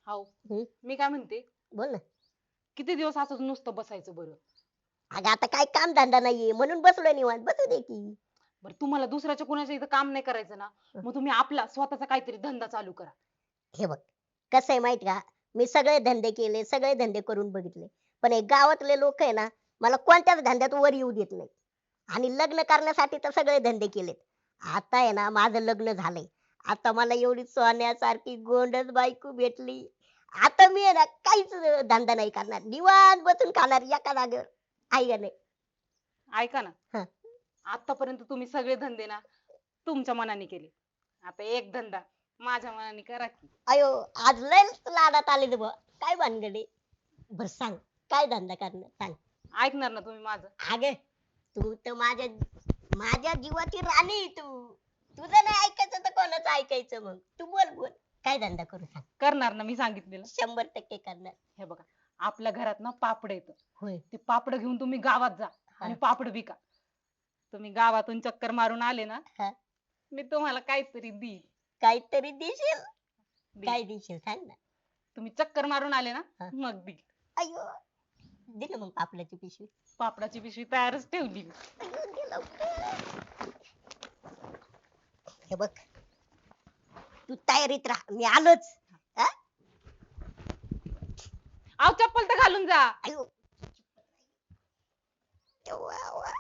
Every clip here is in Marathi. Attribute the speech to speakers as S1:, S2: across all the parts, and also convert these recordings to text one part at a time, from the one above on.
S1: हाव.
S2: हं?
S1: मी काय म्हणते,
S2: बोल ना.
S1: किती दिवस असंच नुसतं बसायचं बरं?
S2: अगं आता काय काम धंदा नाहीये म्हणून बसलोय निवांत, बसू दे की.
S1: बरं तुम्हाला दुसऱ्याच्या कोणाच्या इथं काम नाही करायचं ना,
S2: हं.
S1: मग तुम्ही आपला स्वतःचा काहीतरी धंदा चालू करा.
S2: हे बघ, कसं आहे माहित का, मी सगळे धंदे केले, सगळे धंदे करून बघितले, पण हे गावातले लोक आहे ना, मला कोणत्याच धंद्यात वर येऊ देत नाही. आणि लग्न करण्यासाठी तर सगळे धंदे केलेत. आता आहे ना, माझं लग्न झालंय. आता मला एवढी सोन्यासारखी गोंडस बायको भेटली. आता मी आहे ना, काहीच धंदा नाही करणार, निवांत बसून खाणार एका जागेवर. आहे का नाही?
S1: ऐका ना,
S2: हं.
S1: आतापर्यंत तुम्ही सगळे धंदे ना तुमच्या मनाने केले. आता एक धंदा माझ्या मनाने करा की.
S2: अयो, आज लयच लाडात आले बुवा. काय भानगड आहे? बरं सांग, काय धंदा करणार सांग.
S1: ऐकणार ना तुम्ही माझं?
S2: अगे, तू तर माझ्या जीवाची राणी आहे तू. तुझं नाही ऐकायचं तर कोणाचं ऐकायचं मग? तू बोल बोल. काय धंदा करू सांग.
S1: करणार ना मी सांगितलेलं.
S2: 100% करणार.
S1: हे बघा, आपल्या घरात ना पापड येतं.
S2: होय.
S1: ते पापड घेऊन तुम्ही गावात जा आणि
S2: हा.
S1: पापड विका. तुम्ही गावातून चक्कर मारून आले ना,
S2: हा.
S1: मी तुम्हाला काहीतरी देईन.
S2: काहीतरी देशील?
S1: देईन.
S2: काय देशील सांग ना.
S1: तुम्ही चक्कर मारून आले ना,
S2: हा.
S1: मग देईन.
S2: अयो, दे ना मग पापडाची पिशवी.
S1: पापडाची पिशवी तयारच ठेवली मी.
S2: अयो, दे लवकर. हे बघ, तू तयारीत राहा, मी आलोच. हा?
S1: अहो चप्पल तर घालून जा.
S2: अयो. वा, वा.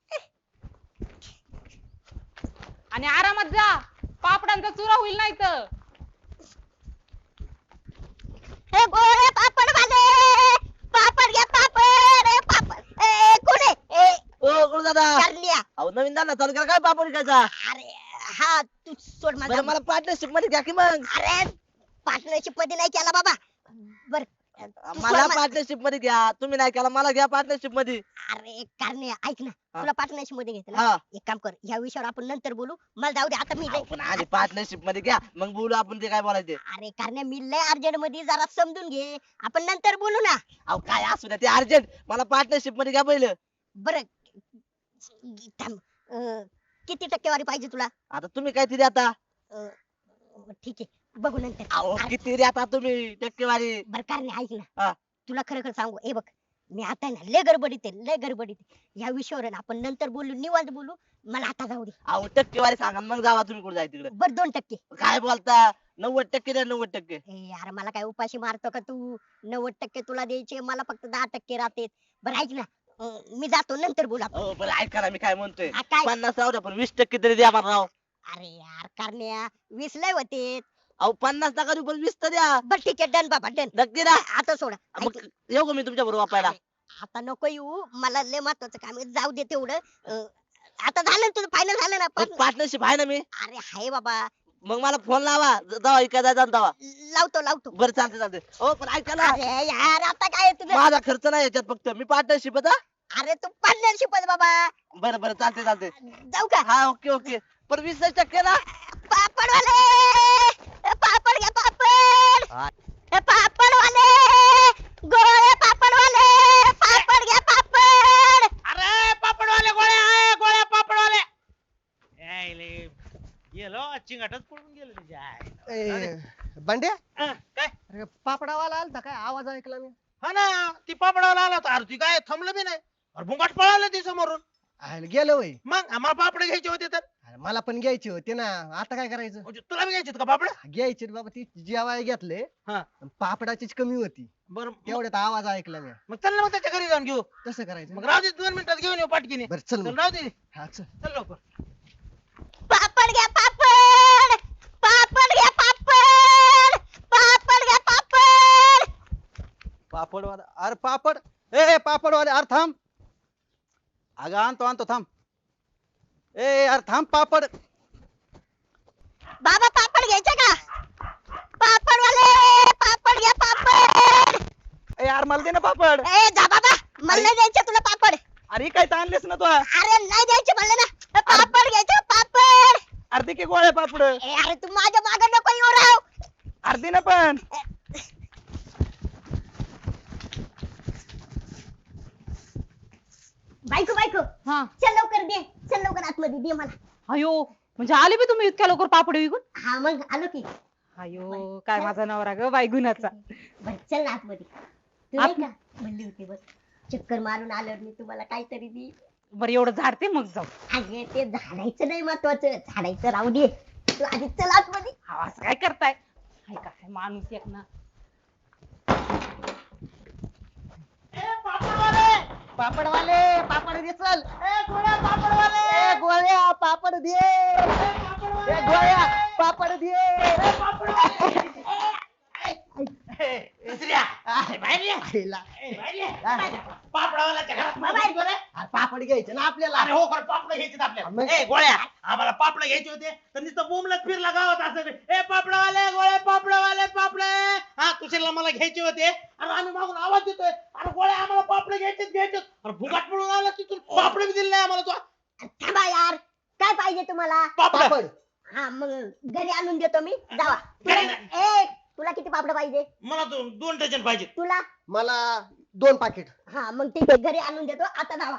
S1: आणि आरामात जा. पापडांचा चुरा होईल नाही तर.
S2: हे गोळे पापड वाले, पापड घ्या पापड, ए पापड, ए कोण आहे? ए
S3: ओ गुरु दादा,
S2: कारल्या.
S3: अहो नवीन दादा चालू केला काय पापड विकायचा?
S2: अरे हा, तू सोड माझा.
S3: बरं मला पार्टनरशिप मध्ये घ्या की मग.
S2: अरे पार्टनरशिप मध्ये नाही केला बाबा. बर तू
S3: मला
S2: सोड मा-
S3: पार्टनरशिप मध्ये घ्या, तुम्ही नाही केला मला घ्या पार्टनरशिप मध्ये.
S2: अरे कारण्या ऐक ना,
S3: हा.
S2: तुला पार्टनरशिप मध्ये घेतलं ना.
S3: हा
S2: एक काम कर, या विषयावर आपण नंतर बोलू. मला जाऊ दे आता, मी
S3: अहो, पण आधी पार्टनरशिप मध्ये घ्या मग बोलू आपण ते काय बोलायचे.
S2: अरे कारण्या, मी लय अर्जंट मध्ये, जरा समजून घे, आपण नंतर बोलू ना.
S3: अहो काय असू द्या ते अर्जंट, मला पार्टनरशिप मध्ये घ्या पहिलं.
S2: बर थांब, किती टक्केवारी पाहिजे तुला?
S3: आता तुम्ही काय तरी आता.
S2: अं, ठीक आहे, बघू नंतर.
S3: अहो किती रे आता तुम्ही टक्केवारी.
S2: बर कारण्या ऐक
S3: हा.
S2: ना, तुला खरं खरं सांगू, हे बघ, मी आता आहे ना लय गडबडीत आहे, लय गडबडीत आहे. या विषयावर आहे ना आपण नंतर बोलू, निवांत बोलू. मला आता जाऊ दे.
S3: अहो टक्केवारी सांगा मग जावा तुम्ही कुठे जाय तिकडे.
S2: बर 2%.
S3: काय बोलता, 90% द्या 90%.
S2: ए यार, मला काय उपाशी मारतो का तू? 90% तुला द्यायचे, मला फक्त 10% राहते. बरं ऐक ना, मी जातो, नंतर बोलू आपण.
S3: अहो बरं ऐका ना मी काय म्हणतोय,
S2: हा, काय?
S3: 50 राहू द्या पण 20% तरी द्या मला राव.
S2: अरे यार कारण्या, 20 लय होते.
S3: अहो 50 नका देऊ पण 20 तर द्या.
S2: बर ठीक आहे, डन बाबा डन.
S3: नक्की ना.
S2: आता सोडा.
S3: मग
S2: ऐक,
S3: येऊ का मी तुमच्या बरोबर वापायला?
S2: अरे, आता नको येऊ, मला लय महत्वाचं काम आहे, जाऊ दे तेवढं. आता झालं ना तुझं, फायनल झालं ना पण?
S3: पार्टनरशिप आहे ना मी.
S2: अरे हाय बाबा,
S3: मग मला फोन लावा जावा इकडे जायचा जावा.
S2: लावतो लावतो.
S3: बरं चालते चालते. हो पण ऐका ना,
S2: अरे यार, आता काय आहे तुझं?
S3: माझा खर्च नाही याच्यात, फक्त मी पार्टनरशिप हा.
S2: अरे तू पार्टनरशिप बाबा.
S3: बरं बरं चालते चालते.
S2: जाऊ का?
S3: हा ओके ओके. पण 20% ना.
S2: पापडवाले, पापड घ्या पापड.
S3: हा.
S2: पापडवाले, गोळे पापडवाले, पापड घ्या पापड.
S4: अरे पापडवाले गोळ्या आहे, गोळ्या पापडवाले यायले गेलो, चिंगाटच पडून गेलो त्याच्या आईला.
S5: बंड्या,
S4: काय
S5: अरे पापडावाला आलता काय? आवाज ऐकला मी.
S4: हा ना, ती पापडवाला आला होता. अरे ती काय थांबलं बी नाही, अरे भुंगाट पळालं ती समोरून.
S5: आयला गेलो होय.
S4: मग आम्हाला पापड घ्यायचे होते तर.
S5: अरे मला पण घ्यायचे होते ना, आता काय करायचं?
S4: म्हणजे तुला बी घ्यायचे का पापड?
S5: घ्यायचे रे बाबा, ती जेवाय घेतले.
S4: हा.
S5: पण पापडाचीच कमी होती,
S4: बरं
S5: तेवढ्यात आवाज ऐकला मी.
S4: मग चल ना, मग त्याच्या घरी जाऊन घेऊ.
S5: कसं करायचं?
S4: मग राहू दे, 2 मिनिटात घेऊन येऊ पाटकीने.
S5: बरं चल
S4: चल
S5: मग.
S4: राहू दे,
S5: हा चल.
S4: चल लवकर.
S2: पापड घ्या पापड, पापड घ्या पापड, पापड घ्या पापड.
S6: पापडवाला, अरे पापड, ए पापडवाले, अरे थांब. अगं आणतो आणतो थांब. ए अरे थांब पापड.
S2: बाबा पापड घ्यायचे का? पापडवाले, पापड घ्या पापड.
S6: ए यार मला दे ना पापड.
S2: ए जा बाबा, मला नाही द्यायचे तुला पापड.
S6: अरे काय ताणलेस ना तू.
S2: अरे नाही द्यायचे म्हणलं ना, पापड घ्यायचे पापड.
S6: अरे दे की गोळ्या पापड.
S2: ए अरे तू माझ्या मागे नको येऊ राव.
S6: अरे दे ना पण.
S2: बायको बायको,
S1: हा.
S2: चल लवकर दे, चल लवकर आतमध्ये दे मला.
S1: अयो, म्हणजे आले बी तुम्ही इतक्या लवकर पापड विकून?
S2: हा मग आलो की.
S1: अयो काय माझा नवरा ग बाई गुणाचा.
S2: बर चल ना आतमध्ये. तू नाही का म्हणली होती बघ चक्कर मारून आल्यावर मी तुम्हाला काहीतरी दी.
S1: बरं एवढं झाडते मग जाऊ.
S2: अगे ते झाडायचं नाही महत्वाचं, झाडायचं राहू दे. तू आधी चल आतमध्ये.
S1: हा असं काय करताय? हाय काय माणूस एक ना.
S5: पापडवाले पापड दे चल.
S4: गोळ्या पापडवाले
S5: ए गोळ्या पापड दे. ए गोळ्या पापड दे.
S4: दुसऱ्या बाहेर ये.
S5: आईला.
S4: बाहेर ये. पापडावाल्याच्या घरात
S2: बाहेर.
S4: बरं?
S5: अरे पापड घ्यायचे ना आपल्याला.
S4: अरे हो खरं पापड घ्यायचे आपल्याला.
S5: मग?
S4: ए गोळ्या आम्हाला पापड घ्यायचे होते तर नुसतं बोंबलत फिरला गावात असं ए पापडावाले गोळ्या पापडावाले पापड हा तुझ्याला मला घ्यायचे होते. अरे आम्ही मागून आवाज देतोय अरे गोळ्या आम्हाला पापड घ्यायचे. अरे भुगाट पडून आला तिथून पापड बी दिले नाही आम्हाला तू.
S2: थांबा यार, काय पाहिजे तुम्हाला?
S4: पापड
S5: पापड
S2: हा मग घरी आणून देतो मी. जावा.
S4: घरी
S2: ए तुला किती पापड पाहिजे?
S4: मला दोन डझन पाहिजे.
S2: तुला?
S5: मला 2 पाकिट.
S2: हा मग ठीक आहे घरी आणून देतो. आता जावा.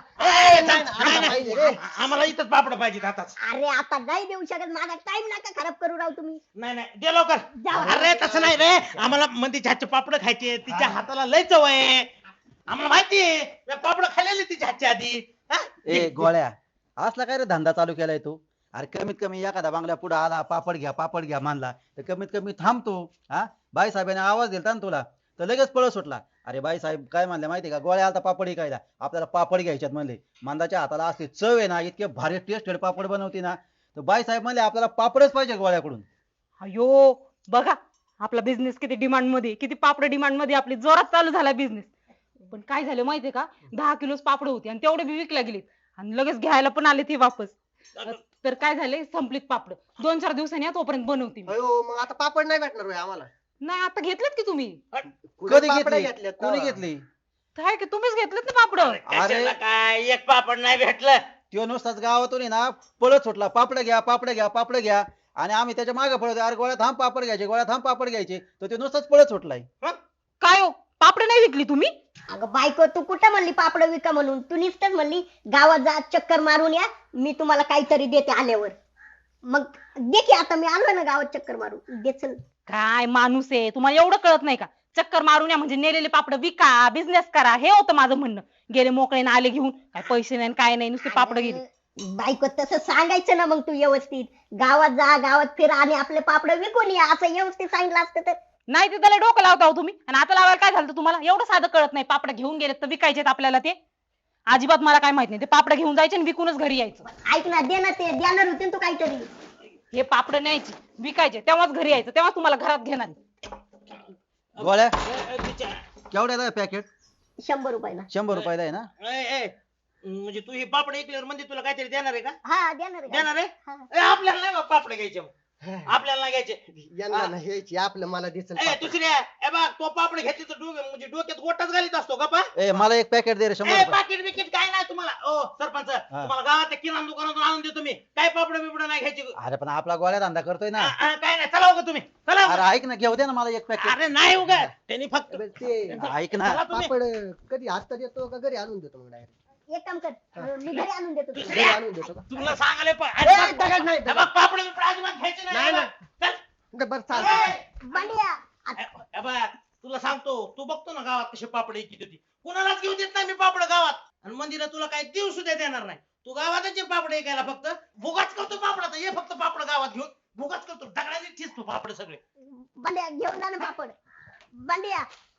S5: आता पाहिजे रे.
S4: आम्हाला इथंच पापड पाहिजे आताच.
S2: अरे आता नाही देऊ शकत, माझा टाइम नका खराब करू राव तुम्ही.
S4: नाही दे लवकर.
S2: जाऊ.
S4: अरे तसं नाही रे आम्हाला मंदीच्या हातचे पापड खायचे तिच्या हाताला लय चव आहे. आम्हाला माहितीये पापड खाल्लेले तिच्या हातच्या आधी. हा?
S6: ए गोळ्या असला काय रे धंदा चालू केलाय तू? अरे कमीत कमी एखादा बांगल्या पुढे आला पापड घ्या मानला तर कमीत कमी थांबतो. हा बाई साहेबांनी आवाज दिलता ना तुला तर लगेच पळ सुटला. अरे बाई साहेब काय म्हणले माहितीये का गोळ्या आलता पापड विकायला आपल्याला पापड घ्यायच्यात म्हणले. मांदाच्या हाताला असते चव आहे ना इतके भारी टेस्टेड पापड बनवते ना तर बाई साहेब म्हणले आपल्याला पापडच पाहिजे गोळ्याकडून.
S1: अयो बघा आपला बिझनेस किती डिमांड मध्ये, किती पापड डिमांड मध्ये आपली जोरात चालू झाला बिझनेस. पण काय झालं माहितीये का 10 किलोच पापड होती आणि तेवढे बी विकल्या गेलीत आणि लगेच घ्यायला पण आले ते वापस. तर काय झाले संपलीत पापड. 2-4 दिवसांनी या तोपर्यंत बनवते मी.
S5: अयो मग आता पापड नाही भेटणार होय आम्हाला.
S1: नाही आता घेतलेत की तुम्ही?
S6: कधी
S5: पापड
S6: घेतली
S5: घेतल्यात
S6: कोणी
S5: का?
S6: घेतली?
S1: काय की तुम्हीच घेतलेत ना पापड?
S4: कशाला काय एक पापड नाही भेटलं.
S6: त्यो नुसताच गावातून आहे ना पळत सुटला पापड घ्या आणि आम्ही त्याच्या मागे पळत अरे गोळ्या थांब पापड घ्यायचे तर तो नुसताच पळत सुटलाय.
S1: काय हो पापड नाही विकली तुम्ही?
S2: अगं बायको तू कुठं म्हणली पापड विका म्हणून? तू नुसतंच म्हणली गावात जा चक्कर मारून या, मी तुम्हाला काहीतरी देते आल्यावर. मग दे की आता मी आलोय ना गावात चक्कर मारून. दे चल.
S1: काय माणूस आहे तुम्हाला एवढं कळत नाही का? चक्कर मारून या म्हणजे नेलेले पापड विका बिझनेस करा हे होतं माझं म्हणणं. गेले मोकळे ना आले घेऊन काय पैसे नाही काय नाही नुसते पापड गेले.
S2: बायको तसं सांगायचं ना मग तू व्यवस्थित. गावात जा गावात फिर आणि आपले पापड विकून या असं व्यवस्थित सांगितलं असतं तर.
S1: नाही ते त्याला डोकं लावता हो तुम्ही आणि आता लावायला काय झालं तुम्हाला? एवढं साधं कळत नाही. पापड घेऊन गेलेत तर विकायचेत आपल्याला ते. अजिबात मला काय माहित नाही. ते पापड घेऊन जायचे आणि विकूनच घरी यायचं.
S2: ऐक ना दे ना ते देणार होते ना तू काहीतरी.
S1: हे पापड न्यायचे विकायचे तेव्हाच घरी यायचं तेव्हा तुम्हाला घरात घेणार.
S6: गोळ्या केवढ्याला पॅकेट?
S2: 100 रुपयाला.
S6: 100 रुपयाला आहे ना?
S4: म्हणजे तू हे पापड ऐकल्यावर म्हणजे तुला काहीतरी देणार आहे का?
S2: हा देणार आहे.
S4: देणार आहे?
S2: हा.
S4: आपल्याला नाही बा पापड घ्यायचे मग. आपल्याला नाही घ्यायचे.
S5: यांना नाही घ्यायची आपलं मला दे चल
S4: ए
S5: पापड.
S4: दुसऱ्या ए बघ तो पापड घेतली तर म्हणजे डोक्यात गोटाच घालीत असतो का पा?
S6: ए मला एक पॅकेट दे रे 100 रुपये.
S4: पाकिट बिकिट काय नाही तुम्हाला. ओ सरपंच तुम्हाला गावात किराणा दुकानातून आणून देतो मी. काय पापड बिपड नाही घ्यायची.
S6: अरे पण आपला गोळ्या धंदा करतोय ना.
S4: काय नाही चला उगा तुम्ही चला
S6: अरे
S4: उगा.
S6: ऐक ना घेऊ दे ना मला एक पॅकेट.
S4: अरे नाही उगा त्यांनी फक्त
S5: बरं, ते
S6: ऐक ना
S4: चला तुम्ही.
S5: पापड कधी आता देतो का घरी आणून देतो मग डायरेक्ट?
S2: एक काम कर मी घरी आणून देतो तुला.
S5: घरी आणून देतो का?
S4: तुला सांगाले
S5: ए, दगड नाही, दगड.
S4: पापड बिपड अजिबात घ्यायचे
S5: नाही,
S4: नाही. चल.
S5: बरं चालतं.
S2: बंड्या
S4: ए बघ, तुला सांगतो तू बघतो ना गावात कसे पापड विकत होती. कुणालाच घेऊ देत नाही मी पापड गावात. आणि मंदिरात तुला काही देऊ सुद्धा देणार नाही. तू गावातच ये पापड ऐकायला फक्त भुगाच करतो पापडाचा. ये फक्त पापड गावात घेऊन भुगाच करतो दगडाने ठिसतो पापड सगळे.
S2: बंड्या घेऊन जा ना पापड. बंड्या